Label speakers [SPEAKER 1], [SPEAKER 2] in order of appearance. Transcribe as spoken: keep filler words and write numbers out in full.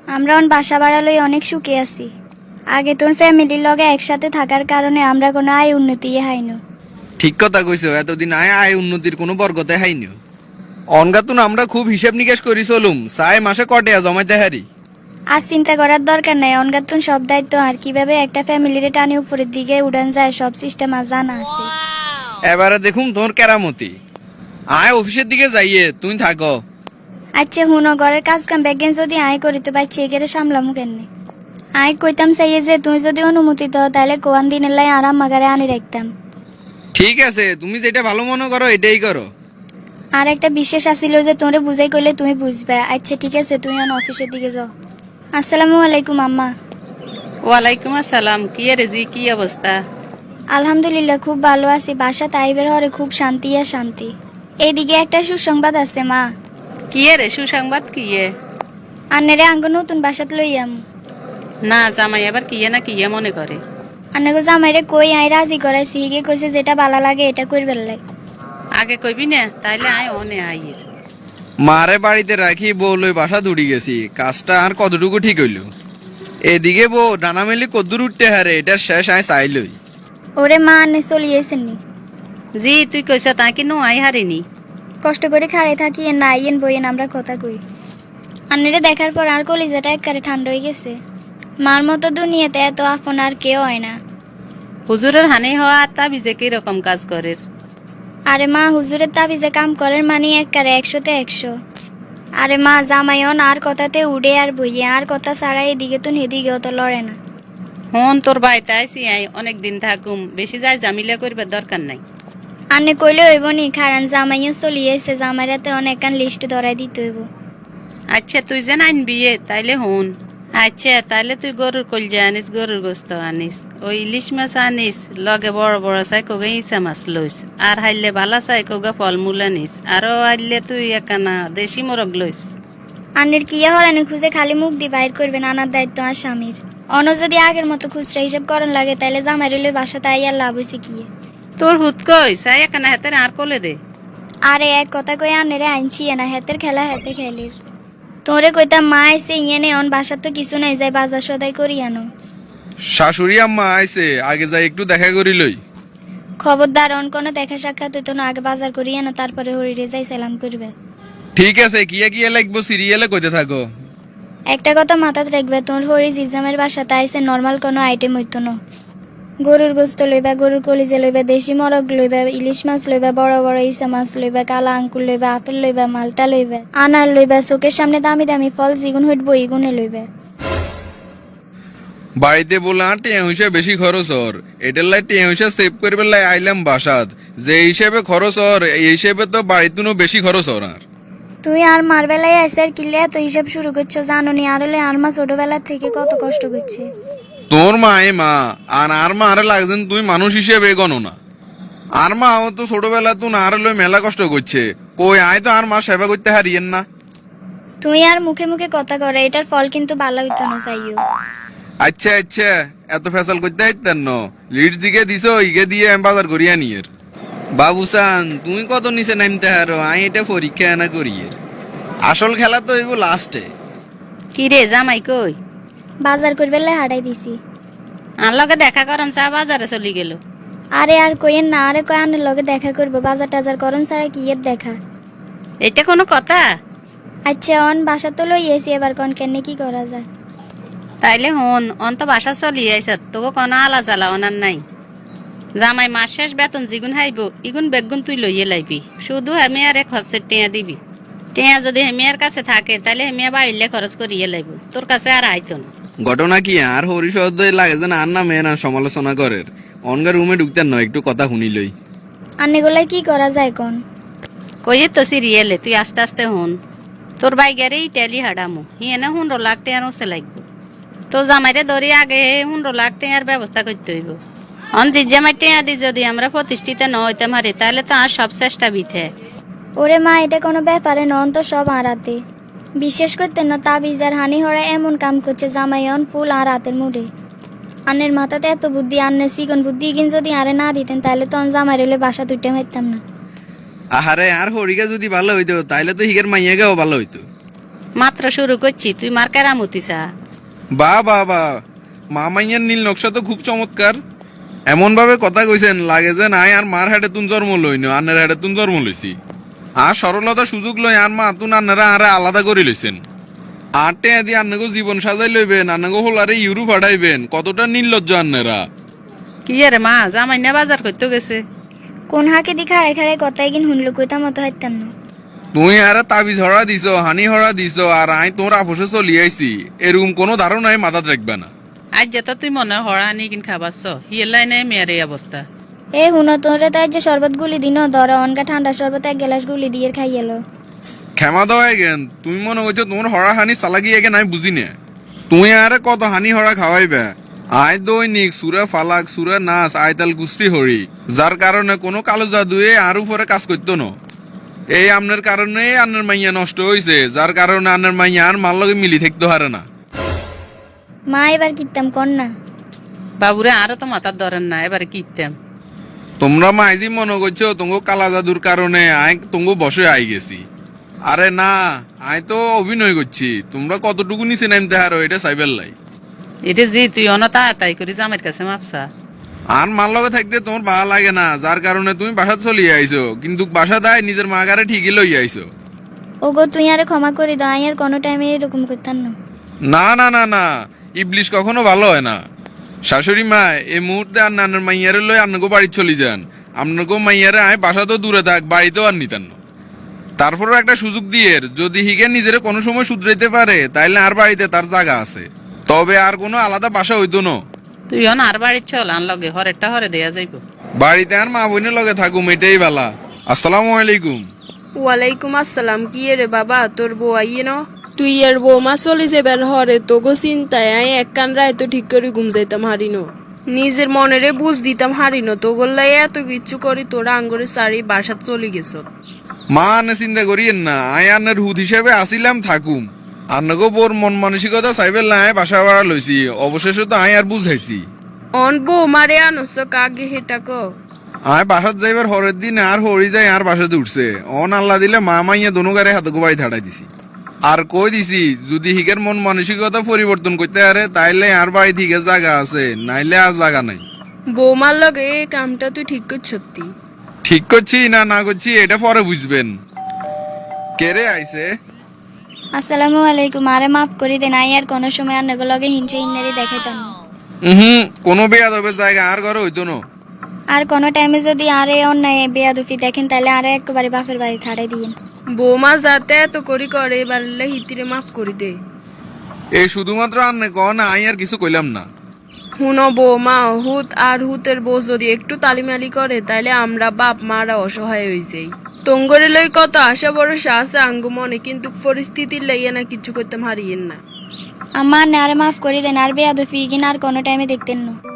[SPEAKER 1] আমরা অন বাসা ভাড়া লই অনেক সুখে আছি। আগে তোর ফ্যামিলির লগে একসাথে থাকার কারণে আমরা কোনো আয় উন্নতি হাইনো।
[SPEAKER 2] ঠিক কথা কইছো, এতদিন আয় আয় উন্নতির কোনো বরগতে হাইনি। অনগাতুন আমরা খুব হিসাব নিকাশ করি চলুম, চাই মাসে কটেয়া জমাইতে হারি।
[SPEAKER 1] আজ চিন্তা করার দরকার নাই, অনগাতুন সব দায়িত্ব আর কিভাবে একটা ফ্যামিলির টানে উপরের দিকে উড়ান যায় সব সিস্টেম আর জানা আছে।
[SPEAKER 2] এবারে দেখুন তোর কেরামতি। আয় অফিসের দিকে যাইয়ে তুই থাকো।
[SPEAKER 1] আচ্ছা হুনো, ঘরের কাজ কাম ব্যাগেন যদি আয় করি তো বাইছে এগেরে সামলামু কেনে। আয় কইতাম চাইয়ে যে তুই যদি অনুমতি দাও তাহলে কোয়ান দিনের লাই আরাম মাগারে আনি রাখতাম।
[SPEAKER 2] ঠিক আছে, তুমি যেটা ভালো মনে করো এটাই করো।
[SPEAKER 1] আর একটা বিশেষ আসিল যে তোরে বুঝাই কইলে তুমি বুঝবে। আচ্ছা ঠিক আছে, তুই অন অফিসের দিকে যাও। আসসালামু আলাইকুম আম্মা।
[SPEAKER 3] ওয়ালাইকুম আসসালাম। কি রে জি, কি অবস্থা?
[SPEAKER 1] আলহামদুলিল্লাহ খুব ভালো আছি। বাসা তাইবের হরে খুব শান্তি আর শান্তি। এইদিকে একটা সুসংবাদ আছে মা।
[SPEAKER 3] কি রে সুসংবাদ? কি এ?
[SPEAKER 1] আন্নেরে আঙ্গ নতুন বাসাত লইয়াম।
[SPEAKER 3] না জামাই আবার কি না কি মনে করে?
[SPEAKER 1] আন্নাগো জামাইরে কই আই রাজি করাইছি, হিগে কইছে যেটা ভালো লাগে এটা করবেন লাই।
[SPEAKER 3] আগে কইবি না তাইলে আয় অনে আইয়ের।
[SPEAKER 2] মারে বাড়িতে রাখি বউ লই বাসা দূরি গেছি, কাজটা আর কতটুকু ঠিক হইল। এদিকে বউ ডানা মেলি কদ্দুর উঠতে হারে, এটার শেষ আয় চাইলই।
[SPEAKER 1] ওরে মা আন্নে চলিয়েছেন নি।
[SPEAKER 3] জি তুই কইছ তাই কি নো আই হারিনি।
[SPEAKER 1] কষ্ট করে খাড়াই থাকি না আইয়েন বইয়েন আমরা কথা কই। আন্নেরে দেখার পর আর কলিজাটা একবারে ঠান্ডা হয়ে গেছে। মার মতো দুনিয়াতে এত আপন আর কেউ হয় না।
[SPEAKER 3] হুজুরের হানি হওয়া তা বিজে কি রকম কাজ করে?
[SPEAKER 1] আরে মা হুজুরের তাবিজে কাম করার মানে একবারে একশোতে একশো। আরে মা জামাইন আর কথাতে উড়ে আর বইয়ে আর কথা ছাড়া এদিকে তো হেদিকেও তো লড়ে না।
[SPEAKER 3] হন তোর ভাই তাইছি আই অনেক দিন থাকুম, বেশি যাই জামিলা করবার দরকার নাই।
[SPEAKER 1] আন্নে কইলে হইব নি, কারণ জামাইও চলিয়েছে, জামাইরাতে অনেকখান লিস্ট ধরাই দিতে হইব।
[SPEAKER 3] আচ্ছা তুই যে আনবি তাইলে হন। আচ্ছা তাইলে তুই গরুর কলজা আনিস, গরুর গোস্ত আনিস, ওই ইলিশ মাছ আনিস, লগে বড় বড় চাই কোগা ইসা মাছ লইস, আর হাইলে ভালা চাই কোগা ফলমূল আনিস, আরো আইলে তুই একানা দেশি মোরগ লইস।
[SPEAKER 1] আন্নের কিয়া হরানি খুঁজে খালি মুখ দিয়ে বাইর করবেন, আনার দায়িত্ব আর স্বামীর। অন যদি আগের মতো খুচরা হিসাব করার লাগে তাইলে জামাইরে লই বাসাতে আইয়ার লাভ হইছে কি?
[SPEAKER 3] তোর হুত কই চাই একানা হাতে আর কোলে দে।
[SPEAKER 1] আরে এক কথা কই আন্নেরে আইনছি না, হেতের খেলা হেতে খেলির। তোরে কইতাম মা আইসে ইয়েনে অন বাসার তো কিছু নাই, যাই বাজার সদাই করি আনো।
[SPEAKER 2] শাশুড়ি আম্মা আইছে, আগে যাই একটু দেখা করি লই।
[SPEAKER 1] খবরদার অন কোনো দেখা সাক্ষাৎ হইতো না, আগে বাজার করি আনো তারপরে হরিরে যাই সালাম করবে।
[SPEAKER 2] ঠিক আছে, কিয়া কিয়া লাগবো সিরিয়ালে কইতে থাকো।
[SPEAKER 1] একটা কথা মাথাত রাখবে, তোর হরি জিজামের বাসাতে আইসে নর্মাল কোনো আইটেম হইতো না। গরুর গোস্ত লইবা, গরুর কলিজা লইবা, দেশি মরগ লইবা, ইলিশ মাছ লইবা, বড় বড় ইসা মাছ লইবা, কালা আঙ্কুর লইবা, আপেল লইবা, মালটা লইবা, আনার লইবা, চোখের সামনে দামি দামি ফল জিগুন হইটবো ইগুনে লইবা।
[SPEAKER 2] বাড়িতে বললাম টিয়া হিসাবে বেশি খরচ হর, এটার লাই টিয়া হিসাব সেভ করবে লাই আইলাম বাসাত। যে হিসেবে খরচ হর এই হিসেবে তো বাড়িতুনো বেশি খরচ হর। আর
[SPEAKER 1] তুই আর মার বেলায় আইসে আর কিলে এত হিসাব শুরু করছো জানো নি? আর হলে আর মা ছোটবেলার থেকে কত কষ্ট করছে।
[SPEAKER 2] তোর মা এ মা, আর আর মা আরে লাগছেন তুই মানুষ হিসেবে গণো না। আর মা ও তো ছোটবেলা তুই আর লই মেলা কষ্ট করছে, কই আয় তো আর মা সেবা করতে হারিয়েন না।
[SPEAKER 1] তুই আর মুখে মুখে কথা করে, এটার ফল কিন্তু ভালো হইতো না চাইও।
[SPEAKER 2] আচ্ছা আচ্ছা, এত ফেসাল করতে হাইতেন ন, লিড দিকে দিছো ইগে দিয়ে আমি বাজার করিয়া নিয়ের। বাবুসান তুমি কত নিচে নামতে হারো, আই এটা পরীক্ষা না করিয়ের। আসল খেলা তো হইব লাস্টে।
[SPEAKER 3] কি রে জামাই কই?
[SPEAKER 1] বাজার করবে লাই হারাই দিছি।
[SPEAKER 3] আর লগে দেখা করন চা বাজারে চলি গেল।
[SPEAKER 1] আরে আর কইেন না, আরে কয় আনের লগে দেখা করবো, বাজার টাজার করন ছাড়া কি এর দেখা।
[SPEAKER 3] এটা কোনো কথা?
[SPEAKER 1] আচ্ছা অন বাসা তো লই এসি, এবার কন কেনে কি করা যায়।
[SPEAKER 3] তাইলে হন অন তো বাসা চলি আইস, তোকে কোনো আলা জ্বালা ওনার নাই। জামাই মাস শেষ বেতন জিগুন হাইব ইগুন বেগুন তুই লইয়ে লাইবি, শুধু আমি আর এক খরচের টেয়া দিবি। টেয়া যদি হেমিয়ার কাছে থাকে তাহলে হেমিয়া বাড়িলে খরচ করিয়ে লাইব, তোর কাছে আর আইতো না।
[SPEAKER 2] ঘটনা কি আর হরিশব্দ লাগে যেন আর না মেয়ের সমালোচনা করের। অনগা রুমে ঢুকতেন নয়, একটু কথা শুনিলই।
[SPEAKER 1] আন্নেগুলাই কি করা যায় কোন?
[SPEAKER 3] কইয়ে তো সিরিয়ালে তুই আস্তে আস্তে হন। তোর বাইগারে ইটালি হাডামু হিয়ে না হুন্ডো লাখ টেয়ার ওসে লাগবো। তো জামাইরে ধরি আগে হুন্ডো লাখ টেয়ার ব্যবস্থা করতে হইব। অন যে জামাই টেয়া দি যদি আমরা প্রতিষ্ঠিত ন হইতাম হারি তাহলে তো আর সব চেষ্টা বিথে।
[SPEAKER 1] ওরে মা এটা কোনো ব্যাপারে নন তো, সব আড়াতে। বিশেষ করতে না তাবিজ আর হানি হরা এমন কাম করছে জামাইন ফুল আর রাতের মুডে। আন্নের মাথাতে এত বুদ্ধি, আন্নের সিকন বুদ্ধি ইগিন যদি আরে না দিতেন তাহলে তো জামাই রেলে বাসা দুইটা মারতাম না।
[SPEAKER 2] আহারে আর হরিকা যদি ভালো হইতো তাইলে তো হিগের মাইয়াগাও ভালো হইতো।
[SPEAKER 3] মাত্র শুরু করছি, তুই মার কেরামতি চা।
[SPEAKER 2] বা বা বা মামাইয়ার নীল নকশা তো খুব চমৎকার। এমন ভাবে কথা কইছেন লাগে যে নাই আর মার হাটে তুন জন্ম লইন, আন্নের হাটে তুন জন্ম লইছি। আর সরলতা সুযোগ লই আর মা তুন আন্নারা আরে আলাদা করে লইছেন। আটে আদি আন্নাগো জীবন সাজাই লইবেন, আন্নাগো হোলারে ইউরোপ হাঁটাইবেন, কতটা নির্লজ্জ আন্নারা।
[SPEAKER 3] কি রে মা, জামাই না বাজার করতে গেছে?
[SPEAKER 1] কোন হাকে দি খাড়ে খাড়ে কথাই কিন শুনলো কইতা মতো হাইতাম না।
[SPEAKER 2] তুই আরে তাবিজ হরা দিছ, হানি হরা দিছ, আর আই তোর আপোষে চলি আইছি, এরকম কোনো ধারণাই মাথাত রাখবে না।
[SPEAKER 3] আজ যেত তুই মনে হড়া আনি কিন খাবাস, হিয়েলাই নাই মেয়ের এই অবস্থা।
[SPEAKER 1] এ হুনো তোরে তাই যে শরবত গুলি দিন ধরা অনকা ঠান্ডা শরবত এক গ্লাস গুলি দিয়ে খাই এলো।
[SPEAKER 2] ক্ষমা দেওয়া গেন, তুমি মনে করছো তোমার হরা হানি চালাকি এগে নাই বুঝি না। তুই আরে কত হানি হরা খাওয়াইবে। আয় দৈনিক সুরে ফালাক সুরে নাচ আয়তাল গুস্তি হরি, যার কারণে কোনো কালো জাদুয়ে আর উপরে কাজ করতো না। এই আমনের কারণে আন্নের মাইয়া নষ্ট হয়েছে, যার কারণে আন্নের মাইয়া আর মার লগে মিলি থাকতে হারে না।
[SPEAKER 1] মা এবার কিতাম কর না।
[SPEAKER 3] বাবুরে আরো তো মাথার ধরেন না, এবারে কিতাম।
[SPEAKER 2] তোমরা মাইজি মনে করছো তোমাকে কালা জাদুর কারণে আয় তোমাকে বসে আই গেছি। আরে না, আয় তো অভিনয় করছি। তোমরা কতটুকু নিচে নামতে হারো এটা সাইবেল লাই।
[SPEAKER 3] এটা জি তুই অনতা তাই করি জামের কাছে মাপসা।
[SPEAKER 2] আর মার লগে থাকতে তোমার ভালো লাগে না, যার কারণে তুমি বাসা চলিয়ে আইছো, কিন্তু বাসা দায় নিজের মা গারে ঠিকই লই আইছো।
[SPEAKER 1] ওগো তুই আরে ক্ষমা করে দাও, আই আর কোনো টাইমে এরকম করতাম না।
[SPEAKER 2] না না না না, ইবলিশ কখনো ভালো হয় না। শাশুড়ি মা এই মুহূর্তে আর নানার মাইয়ারে লই আপনাকে বাড়ি চলে যান। আপনাকে মাইয়ারে আয় বাসা তো দূরে থাক, বাড়িতেও আর নিতেন না। তারপরও একটা সুযোগ দিয়ে যদি হিগে নিজের কোনো সময় শুধরাইতে পারে তাইলে আর বাড়িতে তার জায়গা আছে, তবে আর কোনো আলাদা বাসা হইতো না।
[SPEAKER 3] তুই অন আর বাড়ির চল, আন লগে হরেরটা হরে দেয়া যাইব।
[SPEAKER 2] বাড়িতে আর মা বোনের লগে থাকুম, এটাই বালা। আসসালামু আলাইকুম।
[SPEAKER 4] ওয়ালাইকুম আসসালাম। কি রে বাবা, তোর বউ আইয়ে ন? তুই এর বৌমা চলে যাবার হরে তোগো চিন্তায় আই এক কান রায় তো ঠিক করে ঘুম যাইতাম হারিন। নিজের মনেরে বুঝ দিতাম হারিন, তোগোল্লাই এত কিচ্ছু করি তোরা আঙ্গরে সারি বাসাত চলে গেছ।
[SPEAKER 2] মা আনে চিন্তা করিয়েন না, আয় আন্নের হুদ হিসেবে আসিলাম থাকুম। আন্নগো বোর মন মানসিকতা চাইবেল না, আয় বাসা ভাড়া লইছি, অবশেষে তো আয় আর বুঝাইছি।
[SPEAKER 4] অন বৌমারে আনস কাগে হেটা ক।
[SPEAKER 2] আয় বাসাত যাইবার হরের দিন আর হরি যাই আর বাসাতে উঠছে। অন আল্লাহ দিলে মা মাইয়া দোনো গারে হাতে বাড়ি ধাড়াই দিছি। আর কই দিছি যদি হিগের মন মানসিকতা পরিবর্তন করতে পারে তাইলে আর বাড়ি থেকে জায়গা আছে, নাইলে আর জায়গা নাই।
[SPEAKER 4] বৌমার লগে এই কামটা তুই ঠিক করছতি?
[SPEAKER 2] ঠিক করছি না না করছি এটা পরে বুঝবেন। কেরে আইছে?
[SPEAKER 1] আসসালামু আলাইকুম, আরে মাফ করে দেন, আই আর কোনো সময় আর নগো লগে হিংসে হিন্নারি দেখাইতাম না।
[SPEAKER 2] হুম, কোনো বেয়াদবের জায়গা আর ঘরে হইতো না।
[SPEAKER 1] আর কোনো টাইমে যদি আরে অন্যায় বেয়াদুফি দেখেন তাহলে আরে একবারে বাপের বাড়ি ছাড়াই দিয়েন।
[SPEAKER 4] বৌমা যাতে এত করি করে এবার হিতিরে মাফ করি দে।
[SPEAKER 2] এই শুধুমাত্র আন্নে কন, আই আর কিছু কইলাম না।
[SPEAKER 4] হুনো বৌমা, হুত আর হুতের বউ যদি একটু তালিমালি করে তাইলে আমরা বাপ মারা অসহায় হয়ে যাই। তঙ্গরে লই কত আশা বড় আছে আঙ্গু মনে, কিন্তু পরিস্থিতির লাইয়া না কিছু করতে হারিয়েন না।
[SPEAKER 1] আমার না আরে মাফ করে দেন, আর বেয়াদুফি কিনা আর কোনো টাইমে দেখতেন না।